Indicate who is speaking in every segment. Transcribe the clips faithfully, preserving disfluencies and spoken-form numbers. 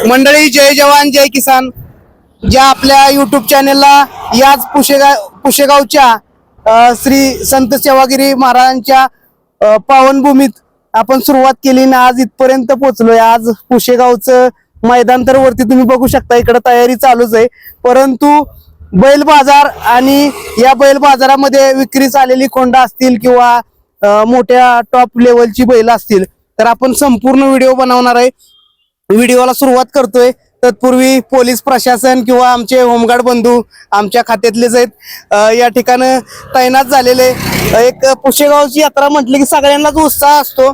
Speaker 1: मंडळी, जय जवान जय किसान. ज्या आपल्या युट्यूब चॅनेलला याच पुशेगाव पुशेगावच्या अ, श्री संत सेवागिरी महाराजांच्या अ, पावनभूमीत आपण सुरुवात केली ना आज इथपर्यंत पोहोचलोय. आज पुशेगावचं मैदान तर वरती तुम्ही बघू शकता, इकडे तयारी चालूच आहे. परंतु बैल बाजार आणि या बैल बाजारामध्ये विक्रीस आलेली खोंड असतील किंवा अ, मोठ्या टॉप लेवलची बैल असतील तर आपण संपूर्ण व्हिडिओ बनवणार आहे. व्हिडिओला सुरुवात करतोय. तत्पूर्वी पोलीस प्रशासन किंवा आमचे होमगार्ड बंधू आमच्या खात्यातलेच आहेत, अ, या ठिकाणी तैनात झालेले. एक पुशेगावची यात्रा म्हटली की सगळ्यांनाच उत्साह असतो.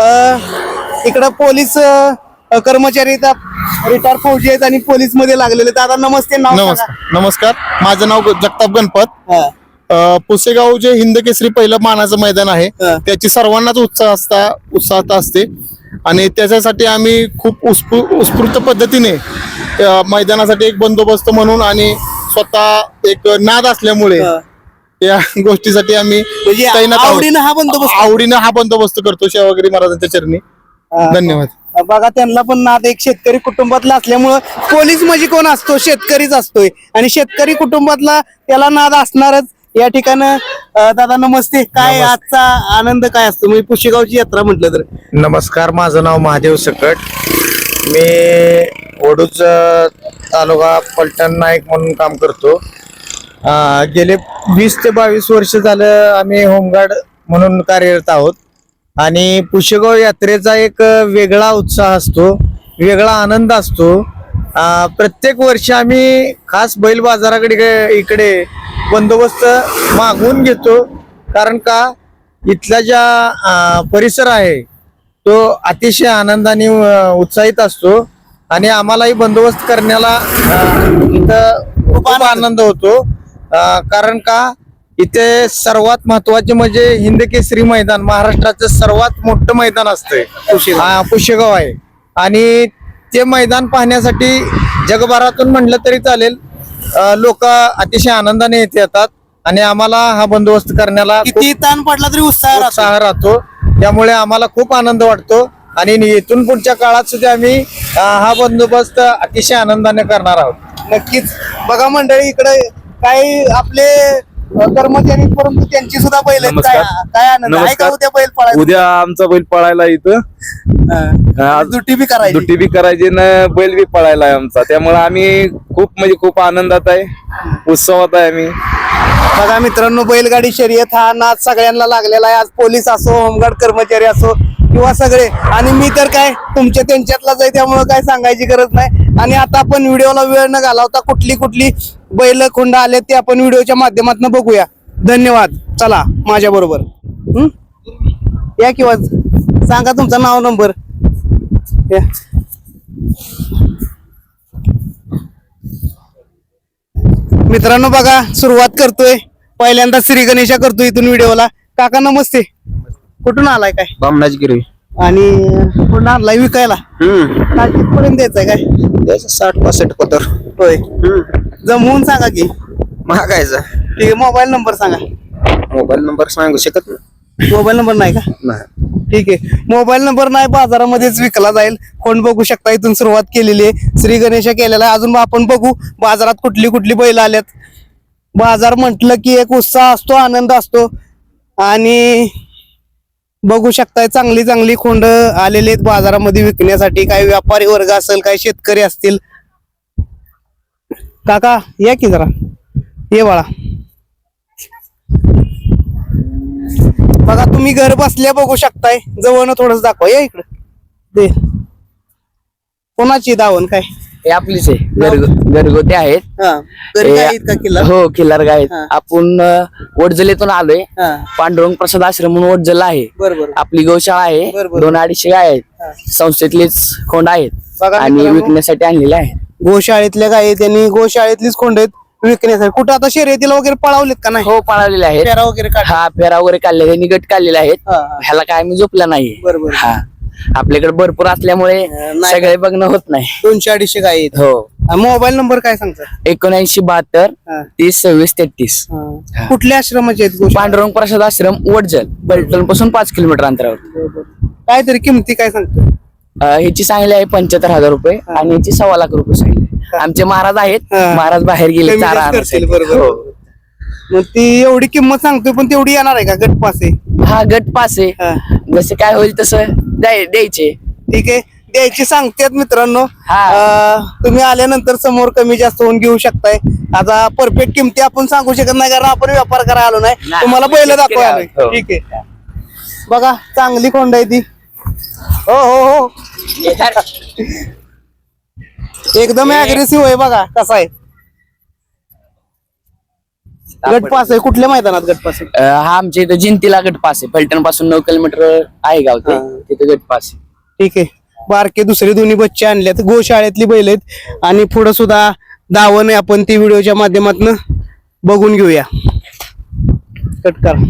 Speaker 1: इकडं पोलीस अ, कर्मचारी रिटायर फौजी आहेत आणि पोलीस मध्ये लागलेले. दादा नमस्ते. नाव
Speaker 2: नमस्कार. नमस्कार, माझं नाव जगताप गणपत.
Speaker 1: सांगा.
Speaker 2: अ, पुसेगाव जे हिंद केसरी पहिलं मानाचं मैदान आहे
Speaker 1: हा.
Speaker 2: त्याची सर्वांनाच उत्साह असता उत्साहता असते आणि त्याच्यासाठी आम्ही खूप उत्स्फू उत्स्फूर्त पद्धतीने अ, मैदानासाठी एक बंदोबस्त म्हणून आणि स्वतः एक नाद असल्यामुळे
Speaker 1: हा.
Speaker 2: या गोष्टीसाठी आम्ही
Speaker 1: म्हणजे
Speaker 2: तैनात आहोत.
Speaker 1: आवडीनं हा बंदोबस्त
Speaker 2: आवडीनं हा बंदोबस्त करतो सेवागिरी महाराजांच्या चरणी.
Speaker 1: हा.
Speaker 2: धन्यवाद.
Speaker 1: बघा, त्यांना पण नाद एक शेतकरी कुटुंबातला असल्यामुळं पोलीस म्हणजे कोण असतो? शेतकरीच असतोय आणि शेतकरी कुटुंबातला त्याला नाद असणारच. या ठिकाणी अं, दादा नमस्ते. काय आजचा आनंद काय असतो म्हणजे पुशेगावची यात्रा म्हटलं तर?
Speaker 3: नमस्कार, माझं नाव महादेव सकट. मी वडूज तालुका पलटण नाईक म्हणून काम करतो. अं, गेले वीस ते बावीस वर्ष झालं आम्ही होमगार्ड म्हणून कार्यरत आहोत आणि पुशेगाव यात्रेचा एक वेगळा उत्साह असतो, वेगळा आनंद असतो. अं, प्रत्येक वर्षी आम्ही खास बैल बाजाराकडे इकडे बंदोबस्त मागवून घेतो, कारण का इथला ज्या अं, परिसर आहे तो अतिशय आनंदाने अं, उत्साहित असतो आणि आम्हालाही बंदोबस्त करण्याला अं, इथं खूप आनंद होतो. अं, कारण का इथे सर्वात महत्वाचे म्हणजे हिंद केसरी मैदान, महाराष्ट्राचं सर्वात मोठं मैदान असतंय पुशेगाव पुशेगाव आहे आणि ते मैदान पाहण्यासाठी जगभरातून म्हटलं तरी चालेल लोक अतिशय आनंदाने येथे येतात आणि आम्हाला हा बंदोबस्त करण्याला
Speaker 1: किती ताण पडला तरी उत्साह राहतो.
Speaker 3: उत्साह राहतो. त्यामुळे आम्हाला खूप आनंद वाटतो आणि इथून पुढच्या काळात सुद्धा आम्ही अं, हा बंदोबस्त अतिशय आनंदाने करणार आहोत.
Speaker 1: नक्कीच. बघा मंडळी, इकडे काही आपले अं, कर्मचारी परंतु त्यांची सुद्धा बैल आहेत. काय काय आनंद आहे का उद्या बैल पळायला?
Speaker 4: उद्या आमचा बैल पळायला इथं
Speaker 1: हा. दुट्टी बी करायची.
Speaker 4: दुट्टी बी करायची ना बैल बी पळायला आहे आमचा. त्यामुळे आम्ही खूप म्हणजे खूप आनंदात आहे, उत्सवात आहे आम्ही.
Speaker 1: बघा मित्रांनो, बैलगाडी शर्यत हा नाद सगळ्यांना लागलेला आहे. आज पोलीस असो, होमगार्ड कर्मचारी असो किंवा सगळे. आणि मी तर काय तुमच्या त्यांच्यातलाच आहे, त्यामुळे काय सांगायची गरज नाही. आणि आता आपण व्हिडिओला वेळ न घालवता कुठली कुठली बैल खोंड आले ते आपण व्हिडिओच्या माध्यमातून बघूया. धन्यवाद. चला माझ्या बरोबर या किंवा सांगा तुमचं नाव, नंबर. या. मित्रांनो बघा, सुरुवात करतोय पहिल्यांदा श्री गणेशा करतोय इथून व्हिडिओला. काका नमस्ते. कुठून आलाय काय?
Speaker 3: बामणाची गिरवी
Speaker 1: आणि कुठून आणलाय विकायला? काय कितपर्यंत द्यायचंय काय?
Speaker 3: साठ पासष्ट पतर
Speaker 1: होय. जमवून सांगा की.
Speaker 3: महागायचा
Speaker 1: ठीक आहे. मोबाईल नंबर सांगा.
Speaker 3: मोबाईल नंबर सांगू शकत नाही.
Speaker 1: मोबाईल नंबर नाही का? ठीक आहे. मोबाईल नंबर नाही, बाजारामध्येच विकला जाईल. कोण बघू शकता, इथून सुरुवात केलेली आहे, श्री गणेशा केलेला आहे. अजून आपण बघू बाजारात कुठली कुठली बैल आल्यात. बाजार म्हटलं की एक उत्साह असतो, आनंद असतो आणि बघू शकताय चांगली चांगली खोंड आलेली आहेत बाजारामध्ये विकण्यासाठी. काही व्यापारी वर्ग असेल, काही शेतकरी असतील. काका या की जरा, ये बाळा. बघा तुम्ही घर बसल्या बघू शकताय. जवळ थोडस दाखवा, या इकडे. दे. कोणाची दावण काय?
Speaker 5: हे आपलीच आहे, घरगु- घरगुती आहेत.
Speaker 1: हा. घरी काय आहेत का किल्ला?
Speaker 5: हो, किल्लार गाय आहेत.
Speaker 1: हा.
Speaker 5: आपण अ, वडजलेतून आलोय.
Speaker 1: हा.
Speaker 5: पांडुरंग प्रसाद आश्रम म्हणून वडजला आहे.
Speaker 1: बरोबर.
Speaker 5: आपली गौशाळा आहे.
Speaker 1: बरोबर.
Speaker 5: दोन अडीचशे गाय
Speaker 1: हा.
Speaker 5: आहेत, संस्थेतलेच खोंड आहेत
Speaker 1: बघा
Speaker 5: आणि
Speaker 1: मित्रांनो,
Speaker 5: विकण्यासाठी आणलेले आहेत.
Speaker 1: गोशाळेतल्या गायी त्यांनी गोशाळेतलीच खोंड आहेत विकण्यासाठी. कुठं आता शर्यतीला वगैरे पळावलेत का नाही?
Speaker 5: हो, पळालेले आहेत.
Speaker 1: फेरा वगैरे काढ.
Speaker 5: हा, फेरा वगैरे काढले, त्यांनी गट काढलेले आहेत.
Speaker 1: हा, हा.
Speaker 5: ह्याला काय आम्ही झोपला नाही.
Speaker 1: बरोबर.
Speaker 5: हा, आपल्याकडे भरपूर असल्यामुळे
Speaker 1: नाही.
Speaker 5: सगळे बघणं होत नाही.
Speaker 1: दोनशे अडीचशे गायी आहेत.
Speaker 5: हो.
Speaker 1: मोबाईल नंबर काय सांगता?
Speaker 5: एकोणऐंशी बहात्तर
Speaker 1: हा.
Speaker 5: तीस सव्वीस तेहतीस.
Speaker 1: हा. कुठल्या आश्रमाचे आहेत गोशाळा?
Speaker 5: पांडुरंग प्रसाद आश्रम वडजल, पलटण पासून पाच किलोमीटर अंतरावर.
Speaker 1: काय तरी किमती काय सांगतो?
Speaker 5: अ, ह्याची सांगितली आहे पंच्याहत्तर हजार रुपये आणि ह्याची सव्वा लाख रुपये सांगितले. आमचे महाराज आहेत,
Speaker 1: हा.
Speaker 5: महाराज बाहेर गेले
Speaker 1: कमी
Speaker 5: चारा
Speaker 1: जास्त करतील,
Speaker 5: आणायसाठी.
Speaker 1: बरोबर.
Speaker 5: हो.
Speaker 1: मग ती एवढी किंमत सांगतोय पण तेवढी येणार आहे का गट पास आहे?
Speaker 5: हा गट पास आहे,
Speaker 1: हा.
Speaker 5: जसे काय होईल तसं द्याय- द्यायचे.
Speaker 1: ठीक आहे, द्यायची सांगतात मित्रांनो.
Speaker 5: हा.
Speaker 1: अं, तुम्ही आल्यानंतर समोर कमी जास्त होऊन घेऊ शकताय. आता परफेक्ट किमती आपण सांगू शकत नाही कारण आपण व्यापार करायला आलो नाही,
Speaker 5: नाही,
Speaker 1: तुम्हाला
Speaker 5: आपण
Speaker 1: बैल
Speaker 5: शेतकरी
Speaker 1: दाखवा
Speaker 5: आहोत. हो.
Speaker 1: ठीक आहे. बघा चांगली कोंड आहे ती. हो हो हो एकदम अग्रेसिव्ह आहे. बघा कसा आहे. गट पास आहे. कुठल्या मैदानात गट पास आहे?
Speaker 5: अ, हा आमच्या इथं जिंतीला गट पास आहे. फलटण पासून नऊ किलोमीटर आहे गाव ते,
Speaker 1: हा.
Speaker 5: तिथे गट पास आहे.
Speaker 1: ठीक आहे. बारके दुसरे दोन्ही बच्चे आणलेत, गोशाळेतली बैल आहेत आणि पुढे सुद्धा दावण आहे. आपण ती व्हिडिओच्या माध्यमातून बघून घेऊया. कट करा.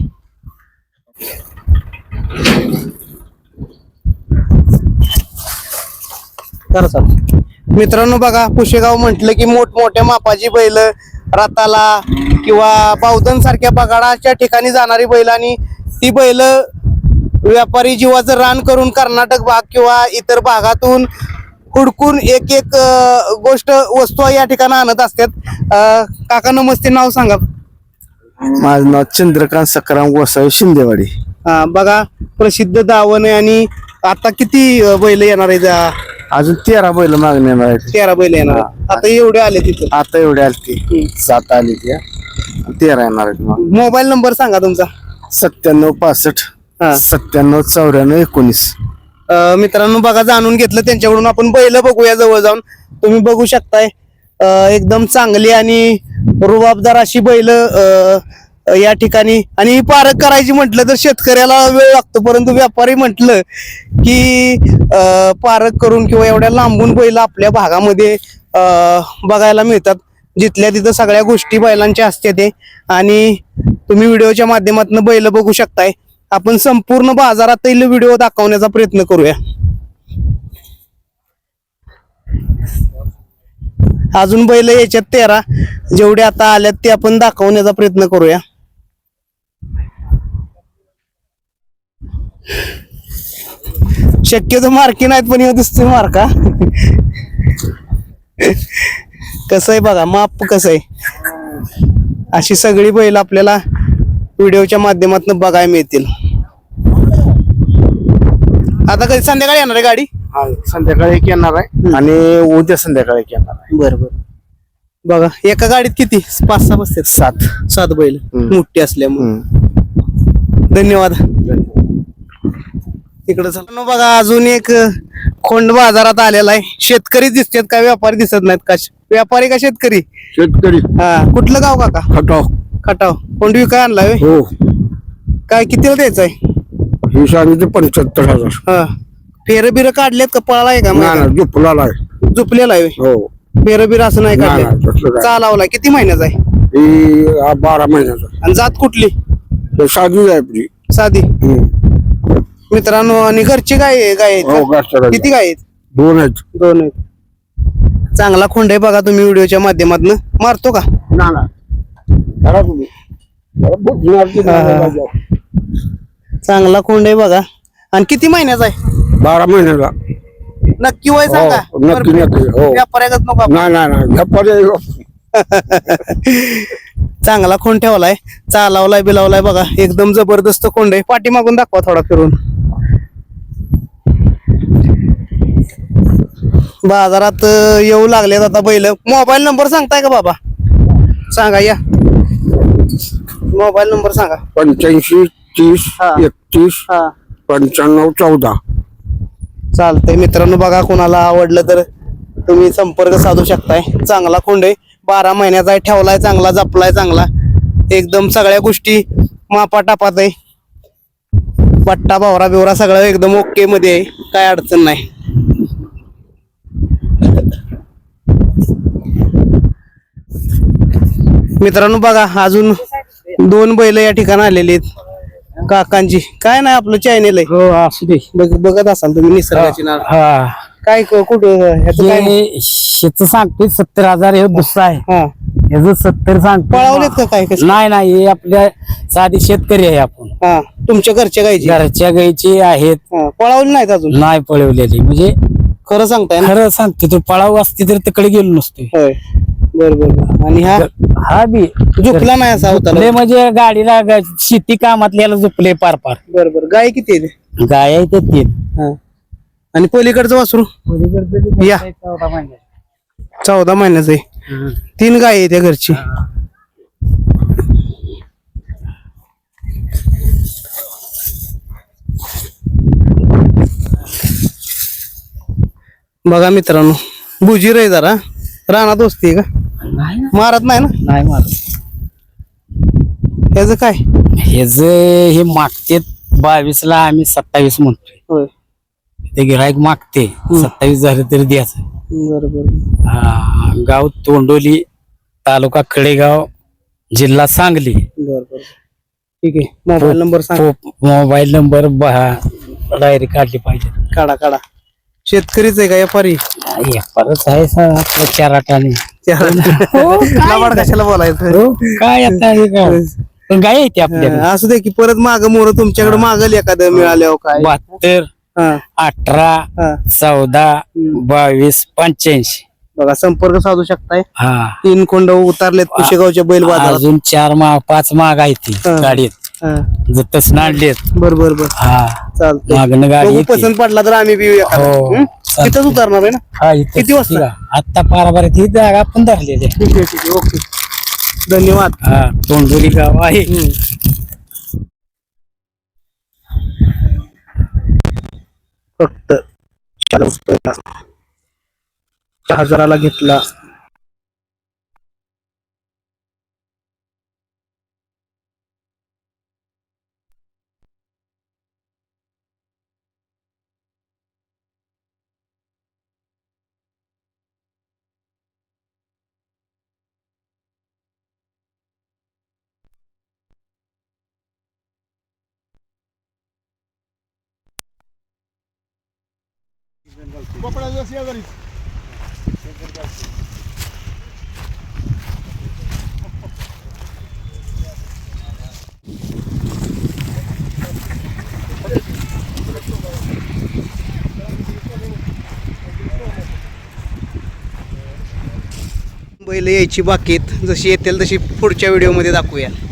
Speaker 1: करा चालू. मित्रांनो बघा, पुशेगाव म्हटलं की मोठमोठ्या मापाची बैल रताला किंवा बावधन सारख्या बगाडाच्या ठिकाणी जाणारी बैल आणि ती बैल व्यापारी जीवाचं रान करून कर्नाटक भाग किंवा इतर भागातून हुडकून एक एक अं, गोष्ट वस्तू या ठिकाणी आणत असतात. अं, काका नमस्ते, नाव सांगा.
Speaker 3: माझं नाव चंद्रकांत सकाराम गोसावी शिंदेवाडी.
Speaker 1: हा, बघा प्रसिद्ध दावण आहे आणि आता किती अं, बैल येणार आहेत? अं,
Speaker 3: अजून तेरा बैल मागणी येणार आहेत.
Speaker 1: तेरा बैल येणार आहेत. आता एवढे आले तिथे.
Speaker 3: आता एवढे आलती, सात आली त्या, तेरा येणार आहेत. मग
Speaker 1: मोबाईल नंबर सांगा तुमचा.
Speaker 3: सत्त्याण्णव पासष्ट
Speaker 1: हा.
Speaker 3: सत्त्याण्णव चौऱ्याण्णव एकोणीस.
Speaker 1: अं, मित्रांनो बघा, जाणून घेतलं त्यांच्याकडून. आपण बैल बघूया जवळ जाऊन. तुम्ही बघू शकताय अं, एकदम चांगली आणि रुबाबदार अशी बैल या ठिकाणी. आणि ही पारख करायची म्हटलं तर शेतकऱ्याला वेळ लागतो, परंतु व्यापारी म्हटलं की अं, पारख करून किंवा एवढ्या लांबून बैल आपल्या भागामध्ये अं, बघायला मिळतात. जिथल्या तिथं सगळ्या गोष्टी बैलांच्या असतात ते. आणि तुम्ही व्हिडिओच्या माध्यमातून बैल बघू शकताय. आपण संपूर्ण बाजारातील व्हिडिओ दाखवण्याचा प्रयत्न करूया. अजून बैल याच्यात तेरा जेवढे आता आल्यात ते आपण दाखवण्याचा प्रयत्न करूया. शक्यतो मार्की नाहीत पण हे दिसतोय मार्का. कसं आहे बघा, माप कसं आहे. अशी सगळी बैल आपल्याला व्हिडिओच्या माध्यमातून बघायला मिळतील. आता कधी संध्याकाळी येणार आहे गाडी?
Speaker 3: संध्याकाळी एक येणार आहे आणि उद्या संध्याकाळी एक येणार आहे.
Speaker 1: बरोबर. बघा एका गाडीत किती, पाच सहा बसतात?
Speaker 3: सात.
Speaker 1: सात बैल
Speaker 3: हम्म.
Speaker 1: मोठी असल्यामुळे.
Speaker 3: हम्म.
Speaker 1: धन्यवाद. तिकडे चला बघा, अजून एक खोंड बाजारात आलेला आहे. शेतकरी दिसतात का व्यापारी दिसत नाहीत? का व्यापारी का शेतकरी?
Speaker 3: शेतकरी.
Speaker 1: हा, कुठलं गाव काका?
Speaker 3: खटाव.
Speaker 1: खटाव. कोंड विकाय आणलाय होय?
Speaker 3: हो,
Speaker 1: काय कितीला द्यायचंय?
Speaker 3: ही सांगितले पंच्याहत्तर हजार.
Speaker 1: हा, फेर बिर काढलेत का? पळाला आहे का?
Speaker 3: नाही झोपला आहे.
Speaker 1: झुपलेला आहे होय?
Speaker 3: हो,
Speaker 1: फेर बिर असं नाही
Speaker 3: नाही, नाही, तसलं
Speaker 1: काढले?
Speaker 3: काय.
Speaker 1: चालावलाय किती महिन्याचा आहे?
Speaker 3: ही आ, बारा महिन्याचा.
Speaker 1: आणि जात कुठली?
Speaker 3: हे साधी आहे आपली.
Speaker 1: साधी.
Speaker 3: हम्म.
Speaker 1: मित्रांनो, आणि घरची गाय आहे- गाय आहेत
Speaker 3: हो,
Speaker 1: का?
Speaker 3: घरच्या गाई.
Speaker 1: किती गाय आहेत?
Speaker 3: दोन आहेत.
Speaker 1: दोन आहेत. चांगला खोंड आहे बघा, तुम्ही व्हिडिओच्या माध्यमातून मारतो का?
Speaker 3: ना ना करा तुम्ही. जरा बुजणार की नाही
Speaker 1: हा, हा.
Speaker 3: बाजार.
Speaker 1: चांगला खोंड आहे बघा. आणि किती महिन्याचा आहे?
Speaker 3: बारा महिन्याला.
Speaker 1: नक्की वय सांगा.
Speaker 3: हो, नक्की, नक्की, हो.
Speaker 1: व्यापाऱ्यागत नको आपण.
Speaker 3: नाही नाही नाही ह्या पर्याय
Speaker 1: चांगला खोंड ठेवलाय, चालावलाय बिलावलाय बघा. एकदम जबरदस्त खोंड आहे. पाठीमागून दाखवा थोडा फिरून. बाजारात अं, येऊ लागलेत आता बैल. मोबाईल नंबर सांगताय का बाबा? सांगा या. मोबाईल नंबर सांगा.
Speaker 3: पंच्याऐंशी तीस
Speaker 1: हा.
Speaker 3: एकतीस
Speaker 1: हा,
Speaker 3: पंच्याण्णव चौदा.
Speaker 1: चालतंय मित्रांनो. बघा, कोणाला आवडलं तर तुम्ही संपर्क साधू शकताय. चांगला खोंड आहे, बारा महिन्याचा आहे, ठेवलाय चांगला, जपलाय चांगला. एकदम सगळ्या गोष्टी मापा टापात आहे. पट्टा भावरा बिवरा सगळं एकदम ओके मध्ये आहे, काय अडचण नाही. मित्रांनो बघा, अजून दोन बैल या ठिकाणी आलेली आहेत काकांची. काय नाही, आपलं चॅनेल आहे.
Speaker 5: हो असू दे.
Speaker 1: बघ- बघत असाल तुम्ही निसर्गाची नाळ.
Speaker 5: हा,
Speaker 1: काय क- कुठं ह्याचं काय नाही?
Speaker 5: शेत सांगतोय सत्तर हजार, हे दुसरा आहे.
Speaker 1: हा,
Speaker 6: याचं सत्तर सांग
Speaker 1: पळावलेत का काय कसं
Speaker 6: नाही नाही हे आपल्या साधी शेतकरी आहे आपण
Speaker 1: हा तुमच्या घरच्या गायची
Speaker 6: घरच्या गाईची आहेत
Speaker 1: हा, पळावली नाहीत अजून
Speaker 6: नाही पळवलेली म्हणजे
Speaker 1: खरं सांगताय ना
Speaker 6: खरं सांगते तो पळाव असते तर तिकडे गेलो नसतो
Speaker 1: होय बर बर बर. आणि हा
Speaker 6: हा बी
Speaker 1: झोपला नाही असा होता
Speaker 6: झोपले म्हणजे गाडीला ग- शेती कामातल्याला झोपले पार पार
Speaker 1: बर बर गाय किती आहे ते?
Speaker 6: गाय आहे ते तीन
Speaker 1: हा आणि पलीकडचं वासरू या चौदा महिन्याचं आहे तीन गाय आहे त्या घरची बघा मित्रांनो बुजीर आहे जरा रानात बसते का
Speaker 6: नाही
Speaker 1: मारत नाही ना
Speaker 6: नाही मारत
Speaker 1: त्याचं काय
Speaker 6: हे जे हे मागते बावीस ला आम्ही सत्तावीस म्हणतोय
Speaker 1: होय
Speaker 6: ते गिराईक मागते सत्तावीस झाले तरी द्यायचं
Speaker 1: बरोबर
Speaker 6: हा, गाव तोंडोली तालुका कडेगाव जिल्हा सांगली
Speaker 1: बर बर ठीक आहे मोबाईल नंबर सांग
Speaker 6: मोबाईल नंबर डायरी काढली पाहिजे
Speaker 1: काढा काढा शेतकरीच आहे का व्यापारी
Speaker 6: हे परत आहे सा- आपल्या चार आठाने
Speaker 1: लावाड कशाला बोलायचं
Speaker 6: हो, काय आता हे काय पण गाय येते आपल्याकडे
Speaker 1: असू दे की परत माग मोर तुमच्याकडे मागल एखादं मिळाल्यावर काय
Speaker 6: बहात्तर
Speaker 1: हा
Speaker 6: अठरा
Speaker 1: हा
Speaker 6: चौदा बावीस पंच्याऐंशी
Speaker 1: बघा संपर्क साधू शकताय
Speaker 6: हा
Speaker 1: तीन कोंड उतारलेत कुशेगावच्या बैल बाजारात
Speaker 6: अजून चार माग पाच माग आहे ती
Speaker 1: हा.
Speaker 6: गाडीत
Speaker 1: हा.
Speaker 6: जतच नाडलेत
Speaker 1: बर बर बर
Speaker 6: हा
Speaker 1: चालतंय
Speaker 6: मागणं गाडी
Speaker 1: बघू,
Speaker 6: येते.
Speaker 1: पसंत पडला तर आम्ही बी एखादा.
Speaker 6: हो,
Speaker 1: हं?
Speaker 6: चालतंय.
Speaker 1: तिथंच उतरणार आहे ना
Speaker 6: हा इथं
Speaker 1: किती वाजता?
Speaker 6: ठीक आहे. आत्ता पाराबारीत ही जागा पण धरलेली आहे.
Speaker 1: ठीक आहे ठीक आहे ओके धन्यवाद
Speaker 6: हा तोंडोली गाव आहे
Speaker 1: हं. फक्त हजाराला घेतला बैल यायची बाकी आहेत जशी येतील तशी पुढच्या व्हिडिओ मध्ये दाखवूया.